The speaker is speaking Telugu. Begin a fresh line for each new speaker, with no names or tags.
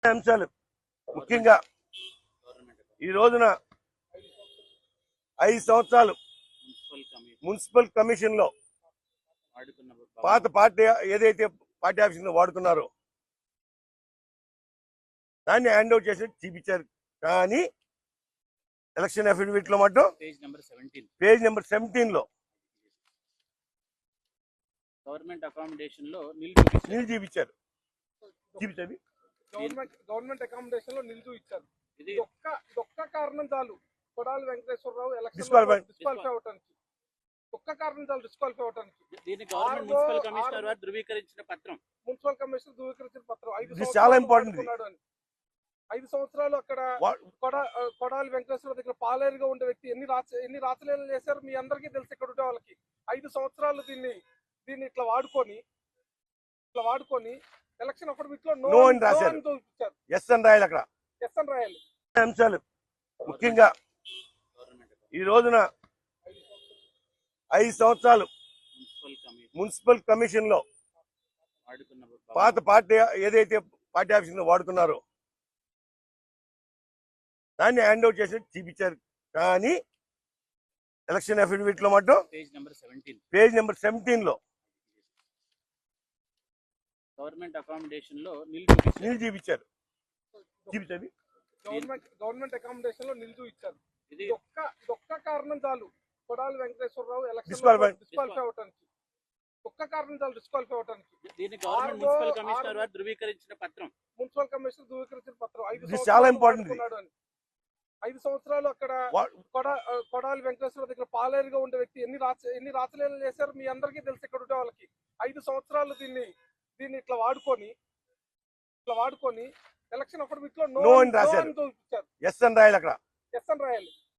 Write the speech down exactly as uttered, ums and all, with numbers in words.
అంశాలు ముఖ్యంగా ఈ రోజున ఐదు సంవత్సరాలు మున్సిపల్ కమిషన్ లో పాత పార్టీ ఏదైతే పార్టీ ఆఫీస్ వాడుకున్నారో దాన్ని హ్యాండ్ ఓవర్ చేసి చూపించారు. కానీ ఎలక్షన్ అఫిడవిట్ లో మాత్రం పేజ్ నెంబర్ సెవెంటీన్ లో
గవర్నమెంట్ అకామిడేషన్ లో
నిల్ చూపించారు. చూపించండి.
గవర్నమెంట్ గవర్నమెంట్ అకామిడేషన్ లో నిలుచు ఇచ్చారు. ఇది ఒక్క ఒక్క కారణం చాలు కొడాలి వెంకటేశ్వరరావు ఎలక్షన్ డిస్క్వాలిఫై అవడానికి. ఒక్క కారణం చాలు డిస్క్వాలిఫై అవడానికి.
దీన్ని గవర్నమెంట్ మున్సిపల్ కమిషనర్ వారు ధృవీకరించిన పత్రం
మున్సిపల్ కమిషనర్ ధృవీకరించిన పత్రం ఐదు
చాలా ఇంపార్టెంట్.
ఐదు సంవత్సరాలు అక్కడ కొడాలి వెంకటేశ్వర దగ్గర పాలేరుగా ఉండే వ్యక్తి ఎన్ని రాచ ఎన్ని రాచలీలలు చేశారు మీ అందరికీ తెలుసు. ఇక్కడ ఉండే వాళ్ళకి ఐదు సంవత్సరాలు దీన్ని దీన్ని ఇట్లా వాడుకొని ఇట్లా వాడుకొని ఎలక్షన్ అఫిడవిట్ లో
నో అని రాశారు. ఎస్ అని రాయాలి. అక్కడ
ఎస్ అని రాయాలి.
అంశాలు ముఖ్యంగా ఈ రోజున ఐదు సంవత్సరాలు మున్సిపల్ కమిషన్ లో పాత పార్టీ ఏదైతే పార్టీ ఆఫీస్ వాడుకున్నారో దాన్ని హ్యాండ్ ఓవర్ చేసి చూపించారు. కానీ ఎలక్షన్ అఫిడవిట్ లో మాత్రం పేజ్ నెంబర్ సెవెంటీన్ లో
గవర్నమెంట్ అకామిడేషన్ లో
నిల్ చూపించారు. చూపించండి.
గవర్నమెంట్ గవర్నమెంట్ అకామిడేషన్ లో నిలుచు ఇచ్చారు. ఇది ఒక్క ఒక్క కారణం చాలు కొడాలి వెంకటేశ్వరరావు ఎలక్షన్ డిస్క్వాలిఫై అవడానికి. ఒక్క కారణం చాలు డిస్క్వాలిఫై అవడానికి.
దీన్ని గవర్నమెంట్ మున్సిపల్ కమిషనర్ వారు ధృవీకరించిన పత్రం
మున్సిపల్ కమిషనర్ ధృవీకరించిన పత్రం ఐదు
చాలా ఇంపార్టెంట్.
ఐదు సంవత్సరాలు అక్కడ కొడాలి వెంకటేశ్వర దగ్గర పాలేరుగా ఉండే వ్యక్తి ఎన్ని రాచ ఎన్ని రాచలీలలు చేశారు మీ అందరికీ తెలుసు. ఇక్కడ ఉండే వాళ్ళకి ఐదు సంవత్సరాలు దీన్ని దీన్ని ఇట్లా వాడుకొని ఇట్లా వాడుకొని ఎలక్షన్ అఫిడవిట్ లో
నో అని రాశారు. ఎస్ అని రాయాలి. అక్కడ
ఎస్ అని రాయాలి.